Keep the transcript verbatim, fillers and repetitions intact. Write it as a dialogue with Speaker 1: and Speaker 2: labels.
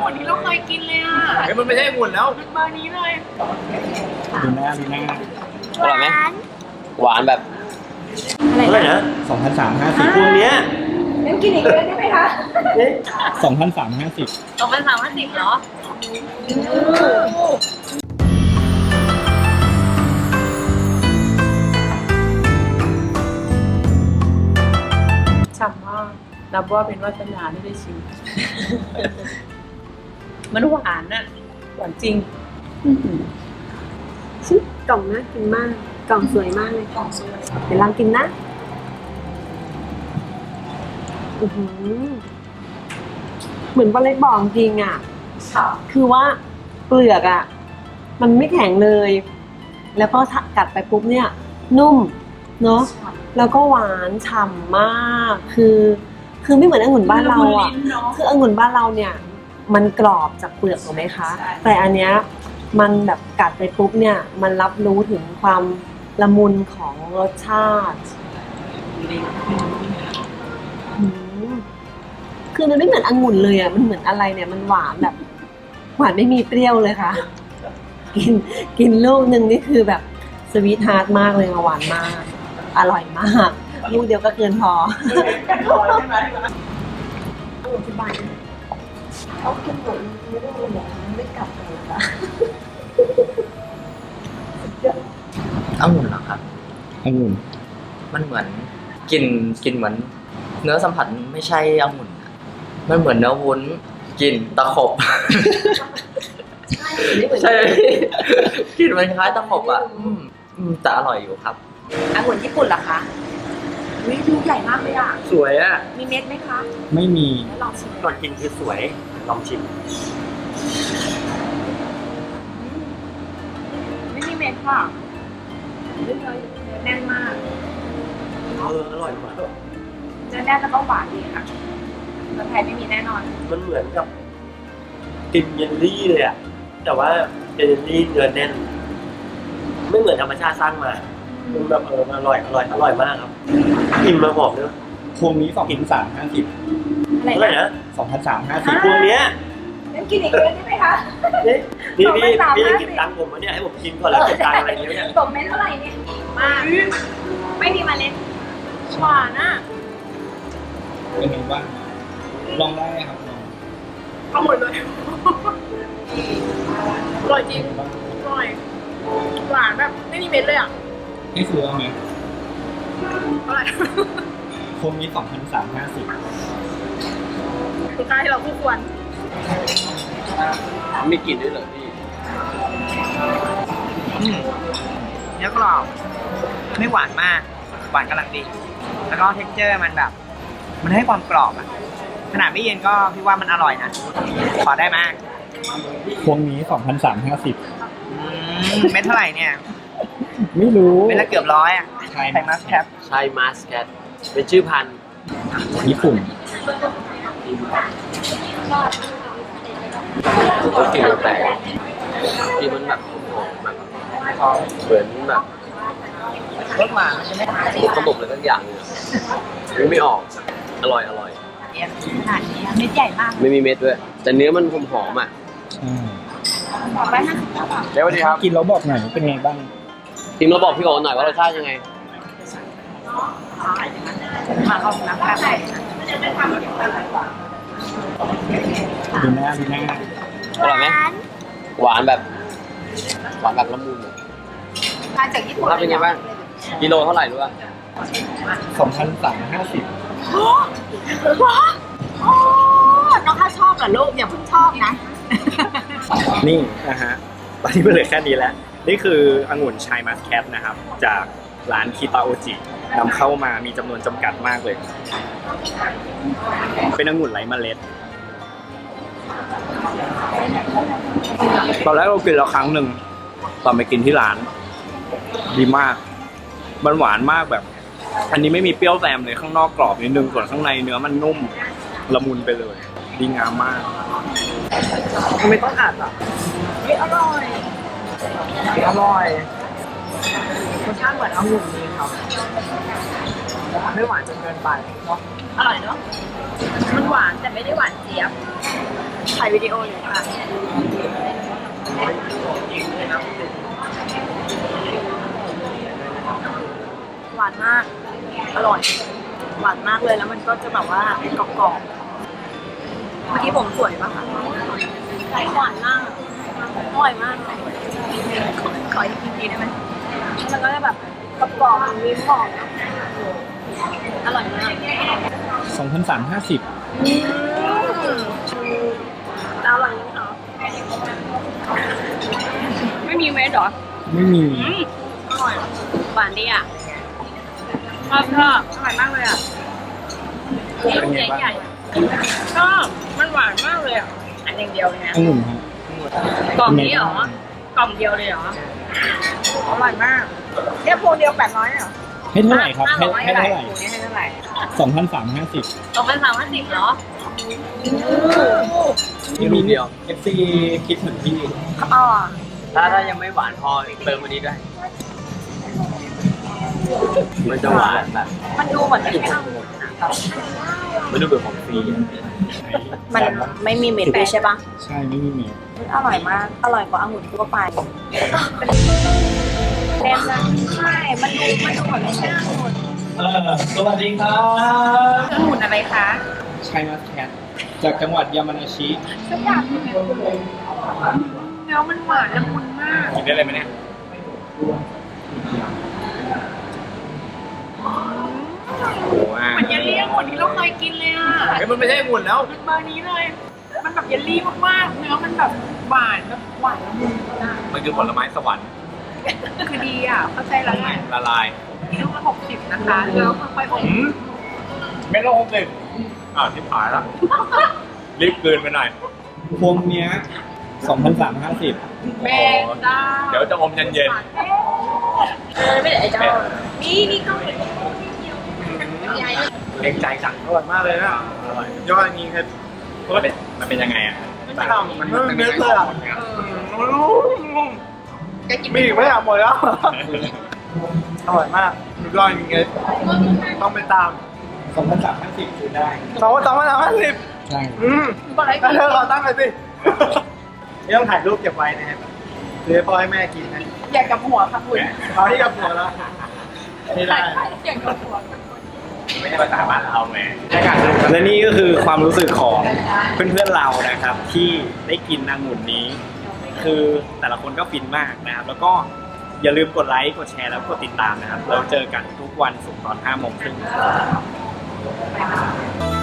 Speaker 1: อนที่เราเคยกินเลยอ่ะ
Speaker 2: เฮ้ยมันไม่ใช่องุ่นแล้ว
Speaker 1: เป็นเบอร์นี้เลย
Speaker 3: ดูหน้าดูหน้า
Speaker 4: อร่อยไหมหวานแบบ
Speaker 5: เท่าไหร่นะ
Speaker 3: สองพันสามห้าสิบ
Speaker 5: พวงเนี้ย
Speaker 6: งั้นกินอีกเดือนได้ไหมคะ
Speaker 3: สองพันสามห้าสิบ
Speaker 1: สองพันสามพันสิบเหรอฉ่ำมากนับว่าเป็นวาสนาที่ได้ชิม มันหวานน่ะหวานจริง
Speaker 6: ชิกล่องน่ากินมาก กล่องสวยมากเลยกล่องสวยเดี๋ยวลองกินนะอือหือเหมือนปลาเล็กบอกจริงอ่ะ คือว่าเปลือกอ่ะ มันไม่แข็งเลย แล้วก็กัดไปปุ๊บเนี่ย นุ่มเนาะแล้วก็หวานฉ่ำมาก คือ คือไม่เหมือนองุ่นบ้านเราอ่ะ คือองุ่นบ้านเราเนี่ย มันกรอบจากเปลือกถูกไหมคะ แต่อันเนี้ยมันแบบกัดไปปุ๊บเนี่ย มันรับรู้ถึงความละมุนของรสชาติอืมคือมันไม่เหมือนองุ่นเลยอ่ะ มันเหมือนอะไรเนี่ย มันหวานแบบ หวานไม่มีเปรี้ยวเลยค่ะ กินกินลูกหนึ่งนี่คือแบบสวีทฮาร์ทมากเลยหวานมาก อร่อยมาก ลูกเดียวก็เกินพอเขากินหมดไม่ได้เลยบอกไม่กลับเลยค่ะ
Speaker 4: องุ่นเหรอครับ
Speaker 3: องุ่น
Speaker 4: มันเหมือนกลิ่นกลิ่นเหมือน เนื้อสัมผัสไม่ใช่องุ่นอะมันเหมือนเนื้อวุ้นกลิ่นตะขบ ใช่กลิ่นมันคล้ายตะขบอ่ะอืมอืมแต่อร่อยอยู่ครับ
Speaker 1: องุ่นญี่ปุ่นเหรอคะวิดูใหญ่มากเลยอ่ะ
Speaker 5: สวยอ่ะ
Speaker 1: มีเม็ดไหมคะ
Speaker 3: ไม่มี
Speaker 1: ลองชิม
Speaker 5: ก่อนกินคือสวย ลองชิม
Speaker 1: ไม่มีเม็ดค่ะเนื้อแน่นมาก
Speaker 5: เออ อร่อยมาก
Speaker 1: เนื้อแน่นแล้วก็หวานดีค่ะเมืองไทยไม่มีแน่นอน
Speaker 5: มันเหมือนกับกินเยลลี่เลยอ่ะ แต่ว่าเป็นเยลลี่เนื้อแน่น ไม่เหมือนธรรมชาติสร้างมามันแบบเอออร่อย อร่อย อร่อยมากครับอิ่มมาหอมเลย
Speaker 3: พวงนี้สองพันสามห้าสิบ
Speaker 1: อะไร
Speaker 5: เท่าไหร่
Speaker 1: นะ
Speaker 5: นะ
Speaker 3: สองพันสามห้าสิบ
Speaker 5: พวงเนี้ย
Speaker 6: งั้นกินอีกเดือนได้ไหมคะ
Speaker 5: นี่นี่พี่
Speaker 6: สองพันสาม
Speaker 5: พี่จะ
Speaker 6: ห้าสิบ
Speaker 5: เก็บตังค์ผมวะเนี่ยให้ผมกินก่อนแล้วเก็บตังค์อะไรเงี้ยเนี่ย
Speaker 6: ตกเม็ดเท่าไหร่เนี่ย
Speaker 1: มาก ไม่มีเมล็ดหวานอ่ะ
Speaker 3: เป็นไงบ้างลองได้ครับลอง
Speaker 1: เอาหมดเลย อร่อยจริง
Speaker 3: เป็นไงบ้าง
Speaker 1: อร่อย หวานแบบไม่มีเม็ดเลยอ่ะ
Speaker 3: ให้ซื้อเอาไหม
Speaker 1: อร่อย
Speaker 3: พวงนี้สองพันสามห้าสิบ
Speaker 1: คุณค่าให้เราคู่ควร
Speaker 4: มีกลิ่นด้วยเหรอพี่
Speaker 7: เนื้อกรอบไม่หวานมาก หวานกำลังดี แล้วก็เท็กเจอร์มันแบบ มันให้ความกรอบอะขนาดไม่เย็นก็พี่ว่ามันอร่อยนะขอได้มาก
Speaker 3: พวงนี้สองพันสามห้าสิบ
Speaker 7: อืมเม็ดเท่าไหร่เนี่ย
Speaker 3: ไม่รู้
Speaker 7: เม็ดละเกือบร้อยอะ
Speaker 3: ใช่
Speaker 7: ไทยมัสแคป
Speaker 4: ใช่มาสแคทเป็นชื่อพันธุ์
Speaker 3: ญี่ปุ่น
Speaker 4: ก็กลิ่นแปลกกลิ่นมันแบบหอมแบบเหมือนแบบ
Speaker 7: รสหวานใช่ไหม
Speaker 4: เขาบอกเลยทั้งอย่างเลยนึกไม่ออก อร่อยอร่อย
Speaker 7: เนี่ยขนาดนี้เม็ดใหญ่มาก
Speaker 4: ไม่มีเม็ดด้วย แต่เนื้อมันหอมหอมๆอ่ะ
Speaker 7: ร้อยห้าสิบ
Speaker 4: เดี๋ยวสวัสดีครับ
Speaker 3: กินแล้วบอกหน่อยเป็นไงบ้าง
Speaker 4: ทีมเราบอกพี่โอ๋หน่อยว่ารสชาติยังไง
Speaker 7: มาเข้าน้ำแป๊บ
Speaker 3: ดูหน้าดูหน้า
Speaker 4: อร่อยไหมหวานแบบ หวานแบบละมุนอะ
Speaker 1: มาจากญี่ปุ่น
Speaker 4: ถ้าเป็นไงบ้างกิโลเท่าไหร่รู้ป่ะ
Speaker 3: สองพันสามห้าสิบ
Speaker 1: น้องข้าชอบเหรอลูกอย่าเพิ่งชอบนะ
Speaker 5: นี่นะฮะ ตอนนี้มันเหลือแค่นี้แล้ว นี่คือองุ่นชายมัสแคทนะครับ จากร้านคิตาโอจินำเข้ามามีจำนวนจำกัดมากเลย เป็นองุ่นไร้เมล็ด ตอนแรกเรากินแล้วครั้งหนึ่งตอนไปกินที่ร้าน ดีมาก มันหวานมากแบบ อันนี้ไม่มีเปรี้ยวแซมเลยข้างนอกกรอบนิดนึงส่วนข้างในเนื้อมันนุ่มละมุนไปเลย ดีงามมาก
Speaker 7: ไม่ต้องอัดอ่ะ
Speaker 1: อร่อย
Speaker 7: อร่อยรสชาติเหมือนองุ่นดีครับไม่หวานจนเกินไปเนาะ
Speaker 1: อร่อยเนาะมันหวานแต่ไม่ได้หวานเจี๊ยบ
Speaker 6: ถ่ายวิดีโออยู่ค่ะ หวานมาก อร่อย หวานมากเลยแล้วมันก็จะแบบว่ากรอบๆ เมื่อกี้ผมสวยปะคะหวานมาก อร่อยมาก ขอขออีกทีได้ไหมมันก็จะแบบกรอบๆมีหอมอร่อยมาก
Speaker 5: สองพันสามร้อยห้าสิบ
Speaker 6: อร่อยไหมคะ
Speaker 1: ไม่มีเม็ดเหรอ
Speaker 5: ไม่มี
Speaker 6: อร่อย หวานดีอ่ะ
Speaker 1: ชอบชอบ
Speaker 6: อร่อยมากเลยอ่ะ
Speaker 1: ลูกใหญ่ๆชอบมันหวานมากเลยอ่ะ อันอย่างเดียวเลยนะ
Speaker 5: องุ่นครับ
Speaker 1: กล่องนี้เหรอ กล่องเดียวเลยเหรอ
Speaker 6: อร่อยมากแค่พวงเดียวแปดร้อยเหรอ
Speaker 5: ให้เท่าไหร่ครับ ให้ให้เท่าไหร่
Speaker 6: พวงนี้ให้เท่าไหร่
Speaker 5: สองพันสามร้อยห้าสิบ
Speaker 1: สองพันสามพันสิบเหรอ
Speaker 4: มีลูกเดียว
Speaker 5: เอฟซีคิดเหมือนพี่
Speaker 6: อ๋อ
Speaker 4: ถ้าถ้ายังไม่หวานพอเติมอันนี้ด้วย มันจะหวานแบบ
Speaker 6: มันดูเหมือนไม่ใช่องุ่นนะ
Speaker 4: ไม่รู้เป็นของฟรีอะ
Speaker 6: มันไม่มีเม็ดด้วยใช่ปะ
Speaker 5: ใช่ไม่มีเมล
Speaker 6: อร่อยมาก อร่อยกว่าองุ่นทั่วไปเล่นนะใช่ มันดูมันดูเหมือนไม่ใช่องุ่น
Speaker 5: เออสวัสดีครับ
Speaker 1: องุ่นอะไรคะ
Speaker 5: ชัยมัสแคทจากจังหวัดยามานาชิ
Speaker 1: สักอย่างหนึ่งแล้วมันหวานละมุนมาก
Speaker 5: กินได้เลยไหมเนี่ย โอ้อ่ะ
Speaker 1: มันเยลลี่องุ่นที่เราเคยกินเลยอ่ะ
Speaker 5: เฮ้ยมันไม่ใช่องุ่นแล้ว
Speaker 1: มันเบอร์นี้เลย มันแบบเยลลี่มากๆ เนื้อมันแบบหวานแบบหวานละมุนอะ
Speaker 5: มันคือผลไม้สวรรค์
Speaker 1: คือดีอ่ะ เข้าใจแล้วไง
Speaker 5: ละลาย
Speaker 1: ลูกละหกสิบนะคะแล้วค่อยๆอบ
Speaker 5: อืมไม่ต้องหกสิบอ่าวที่ผายแล้ว รีบเกินไปหน่อย พวงเนี้ยสองพันสามร้อยห้าสิบ
Speaker 1: แม่จ้า
Speaker 5: เดี๋ยวจะอมเย็น
Speaker 1: เออไม่ได้ไอ้เจ้านี่นี่ก็เป็น
Speaker 5: ๆเล็งใจสั่งอร่อยมากเลยนะอร่อยยอดจริงครับมันเป็นมันเป็นยังไงอ่ะมันมันเนื้อเลยอ่ะ
Speaker 1: จะกิน
Speaker 5: มีอีกไม่อยากหมดแล้ว อร่อยมากสุดยอดจริงเลยต้องไปตามสองพันสามห้าสิบซื้อได้สองพันสามห้าสิบใช่
Speaker 1: อืมบอกอะไร
Speaker 5: เธอเราตั้งเลยสิไม่ต้องถ่ายรูปเก็บไว้นะครับซื้อให้พ่อให้แม่กินนะ
Speaker 1: อยากกับหัวค่ะคุณ
Speaker 5: เอาที่กับหัวแล้วไม่ได้
Speaker 1: อยากกับหัว
Speaker 5: ไม่ใช่ภาษาบ้านเราแหมและนี่ก็คือความรู้สึกของเพื่อนๆเรานะครับ ที่ได้กินองุ่นนี้ คือแต่ละคนก็ฟินมากนะครับ แล้วก็อย่าลืมกดไลค์กดแชร์แล้วกดติดตามนะครับ เราเจอกันทุกวันศุกร์ตอนห้าโมงครึ่ง